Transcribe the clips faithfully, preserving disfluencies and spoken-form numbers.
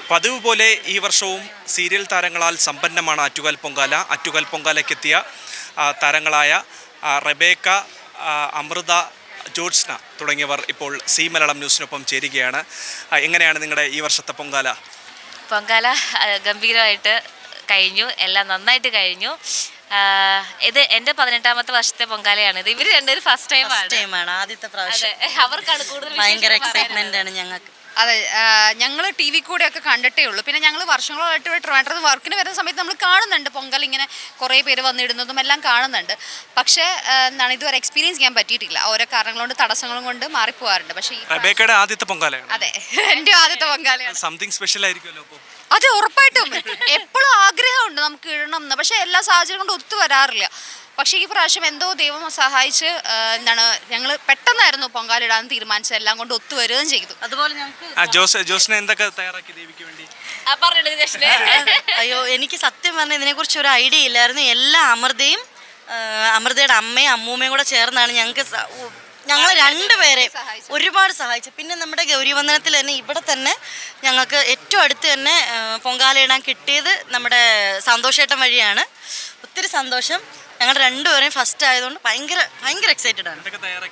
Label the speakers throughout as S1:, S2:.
S1: പതിവ് പോലെ ഈ വർഷവും സീരിയൽ താരങ്ങളാൽ സമ്പന്നമാണ് ആറ്റുകാൽ പൊങ്കാല. ആറ്റുകാൽ പൊങ്കാലയ്ക്കെത്തിയ താരങ്ങളായ റെബേക്ക, അമൃത, ജോത്സ്ന തുടങ്ങിയവർ ഇപ്പോൾ സി മലയാളം ന്യൂസിനൊപ്പം ചേരുകയാണ്. എങ്ങനെയാണ് നിങ്ങളുടെ ഈ വർഷത്തെ പൊങ്കാല?
S2: പൊങ്കാല ഗംഭീരമായിട്ട് കഴിഞ്ഞു, എല്ലാം നന്നായിട്ട് കഴിഞ്ഞു. ഇത് എൻ്റെ പതിനെട്ടാമത്തെ വർഷത്തെ പൊങ്കാലയാണ്. ഇത് ഇവർ രണ്ടുപേരും ഫസ്റ്റ് ടൈം
S3: ടൈമാണ് ആദ്യത്തെ പ്രാവശ്യം.
S2: അവർക്കാണ് കൂടുതൽ
S3: ഭയങ്കര എക്സൈറ്റ്മെന്റ് ആണ് ഞങ്ങൾക്ക്.
S4: അതെ, ഞങ്ങൾ ടി വി കൂടെ ഒക്കെ കണ്ടിട്ടേ ഉള്ളൂ. പിന്നെ ഞങ്ങൾ വർഷങ്ങളായിട്ട് ട്രിവാൻഡ്രത്ത് വർക്കിന് വരുന്ന സമയത്ത് നമ്മൾ കാണുന്നുണ്ട് പൊങ്കൽ ഇങ്ങനെ കുറേ പേര് വന്നിടുന്നതും എല്ലാം കാണുന്നുണ്ട്. പക്ഷേ എന്താണ് ഇതുവരെ എക്സ്പീരിയൻസ് ചെയ്യാൻ പറ്റിയിട്ടില്ല. ഓരോ കാരണങ്ങൾ കൊണ്ട് തടസ്സങ്ങളും കൊണ്ട് മാറിപ്പോകാറുണ്ട്. പക്ഷേ
S1: റെബേക്കയുടെ ആദ്യത്തെ പൊങ്കാലയാണ്.
S4: അതെ, എൻ്റെ ആദ്യത്തെ പൊങ്കാലയാണ്.
S1: സംതിങ് സ്പെഷ്യൽ ആയിരിക്കുമല്ലോ അപ്പോൾ?
S4: അത് ഉറപ്പായിട്ടും. എപ്പോഴും ആഗ്രഹമുണ്ട് നമുക്ക് ഇടണം എന്ന്, പക്ഷേ എല്ലാ സാഹചര്യം കൊണ്ട് ഒത്തു വരാറില്ല. പക്ഷേ ഈ പ്രാവശ്യം എന്തോ ദൈവം സഹായിച്ച് എന്താണ് ഞങ്ങൾ പെട്ടെന്നായിരുന്നു പൊങ്കാലിടാൻ തീരുമാനിച്ചത്. എല്ലാം കൊണ്ട് ഒത്തുവരികയും ചെയ്തു.
S3: അതുപോലെ
S1: ഞങ്ങൾക്ക് ജോസിനെ എന്തൊക്കെ തയ്യാറാക്കി ദേവിക്ക് വേണ്ടി?
S3: അയ്യോ, എനിക്ക് സത്യം പറഞ്ഞാൽ ഇതിനെക്കുറിച്ച് ഒരു ഐഡിയ ഇല്ലായിരുന്നു. എല്ലാ അമൃതയും അമൃതയുടെ അമ്മയും അമ്മൂമ്മയും കൂടെ ചേർന്നാണ് ഞങ്ങൾക്ക് ഞങ്ങൾ രണ്ടുപേരെ ഒരുപാട് സഹായിച്ചു. പിന്നെ നമ്മുടെ ഗൗരിവന്ദനത്തിൽ തന്നെ ഇവിടെ തന്നെ ഞങ്ങൾക്ക് ഏറ്റവും അടുത്ത് തന്നെ പൊങ്കാലയിടാൻ കിട്ടിയത് നമ്മുടെ സന്തോഷേട്ടൻ വഴിയാണ്. ഒത്തിരി സന്തോഷം. ഞങ്ങൾ രണ്ടുപേരെയും ഫസ്റ്റ് ആയതുകൊണ്ട് ഭയങ്കര ഭയങ്കര എക്സൈറ്റഡ് ആണ്.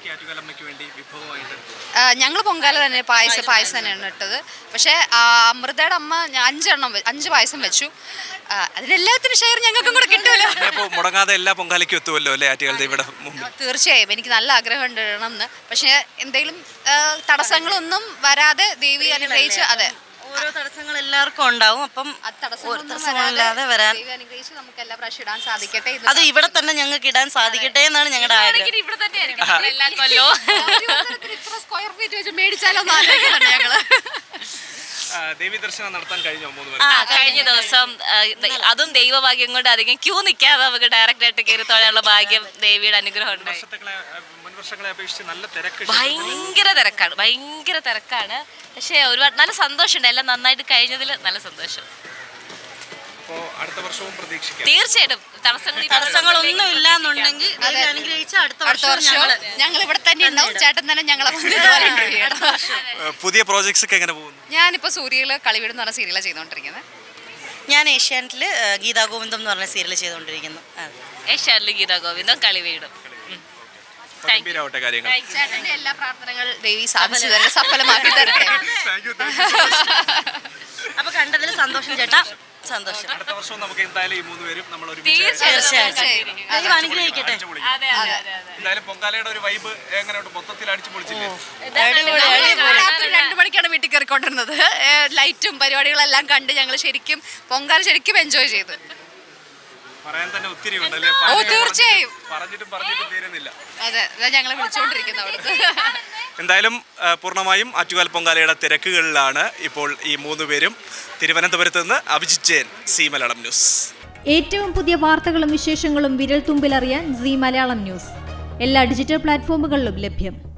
S4: ഞങ്ങൾ പൊങ്കാല തന്നെ പായസം പായസം തന്നെയാണ് ഇട്ടത്. പക്ഷേ അമൃതയുടെ അമ്മ അഞ്ചെണ്ണം അഞ്ച് പായസം വെച്ചു. അതിലെല്ലാത്തിനും ഷെയർ ഞങ്ങൾക്കും കൂടെ കിട്ടുമല്ലോ.
S1: മുടങ്ങാതെ എല്ലാ പൊങ്കാലയ്ക്കും എത്തുമല്ലോ അല്ലേ ആറ്റുകാൽ ദേവിയുടെ?
S4: തീർച്ചയായും എനിക്ക് നല്ല ആഗ്രഹമുണ്ട് ഇടണം എന്ന്. പക്ഷേ എന്തെങ്കിലും തടസ്സങ്ങളൊന്നും വരാതെ ദേവി അനുഗ്രഹിച്ച് അതെ
S3: ഓരോ തടസ്സങ്ങൾ എല്ലാവർക്കും ഉണ്ടാവും. അപ്പം തടസ്സങ്ങളില്ലാതെ വരാൻ
S4: നമുക്ക് എല്ലാ പ്രാവശ്യം ഇടാൻ സാധിക്കട്ടെ.
S3: അത് ഇവിടെ തന്നെ ഞങ്ങൾക്ക് ഇടാൻ സാധിക്കട്ടെ എന്നാണ് ഞങ്ങളുടെ ആഗ്രഹം.
S4: സ്ക്വയർ ഫീറ്റ് വെച്ച് മേടിച്ചാലോ ഞങ്ങള്.
S1: ദേവി ദർശനം നടത്താൻ കഴിഞ്ഞോ?
S2: കഴിഞ്ഞ ദിവസം അതും ദൈവഭാഗ്യം കൊണ്ട് അധികം ക്യൂ നിൽക്കാതെ നമുക്ക് ഡയറക്റ്റ് ആയിട്ട് കയറി തൊഴാനുള്ള ഭാഗ്യം ദേവിയുടെ അനുഗ്രഹം ഉണ്ടായി. ഭയങ്കര തിരക്കാണ്, ഭയങ്കര തിരക്കാണ്. പക്ഷേ ഒരുപാട് നല്ല സന്തോഷമുണ്ട്. എല്ലാം നന്നായിട്ട് കഴിഞ്ഞതിൽ നല്ല സന്തോഷം. തീർച്ചയായിട്ടും തടസ്സങ്ങളൊന്നും
S3: ഇല്ലാന്നുണ്ടെങ്കിൽ
S4: അടുത്ത വർഷം ഞങ്ങൾ ഇവിടെ തന്നെ ഉണ്ടാവും. ചേട്ടൻ തന്നെ ഞങ്ങളെ
S1: പുതിയ പ്രോജക്ട്സ് ഒക്കെ എങ്ങനെ പോകുന്നു?
S4: ഞാനിപ്പോ സൂര്യയില് കളിവീട് എന്ന് പറഞ്ഞ സീരിയലാണ് ചെയ്തുകൊണ്ടിരിക്കുന്നത്.
S3: ഞാൻ ഏഷ്യാനെറ്റില് ഗീതാ ഗോവിന്ദം എന്ന് പറഞ്ഞ സീരിയൽ ചെയ്തുകൊണ്ടിരിക്കുന്നു.
S2: ഏഷ്യാനെറ്റില് ഗീതാ ഗോവിന്ദം കളിവീടും.
S4: ചേട്ടന്റെ എല്ലാ പ്രാർത്ഥനകൾ ദേവി സാധിച്ചു തരട്ടെ, സഫലമാക്കി തരട്ടെ.
S3: അപ്പൊ കണ്ടതിൽ സന്തോഷം ചേട്ടാ, സന്തോഷം.
S1: അടുത്ത വർഷം നമുക്ക് എന്തായാലും ഈ മൂന്ന് പേരും നമ്മൾ
S3: തീർച്ചയായിട്ടും അനുഗ്രഹിക്കട്ടെ.
S1: എന്തായാലും പൊങ്കാലയുടെ ഒരു വൈബ് എങ്ങനെയുണ്ട്? മൊത്തത്തിൽ അടിച്ചു പൊളിച്ചില്ലേ?
S4: രണ്ടു മണിക്കാണ് വീട്ടിൽ കയറിക്കൊണ്ടിരുന്നത്. ലൈറ്റും പരിപാടികളെല്ലാം കണ്ട് ഞങ്ങൾ ശരിക്കും പൊങ്കാല ശരിക്കും എൻജോയ് ചെയ്തു.
S1: പറയാൻ തന്നെ ഒത്തിരി ഉണ്ടല്ലേ?
S4: ഓ തീർച്ചയായും.
S1: പറഞ്ഞിട്ടും പറഞ്ഞിട്ടും തീരുന്നില്ല.
S4: അതെ, ഞങ്ങൾ വിളിച്ചുകൊണ്ടിരിക്കുന്നു അവിടുത്തെ.
S1: എന്തായാലും പൂർണ്ണമായും ആറ്റുകാൽ പൊങ്കാലയുടെ തിരക്കുകളിലാണ് ഇപ്പോൾ ഈ മൂന്ന് പേരും. തിരുവനന്തപുരത്ത് നിന്ന് അഭിജിത്ത് ജയൻ, സി മലയാളം ന്യൂസ്.
S5: ഏറ്റവും പുതിയ വാർത്തകളും വിശേഷങ്ങളും വിരൽ തുമ്പിലറിയാൻ സി മലയാളം ന്യൂസ് എല്ലാ ഡിജിറ്റൽ പ്ലാറ്റ്ഫോമുകളിലും ലഭ്യം.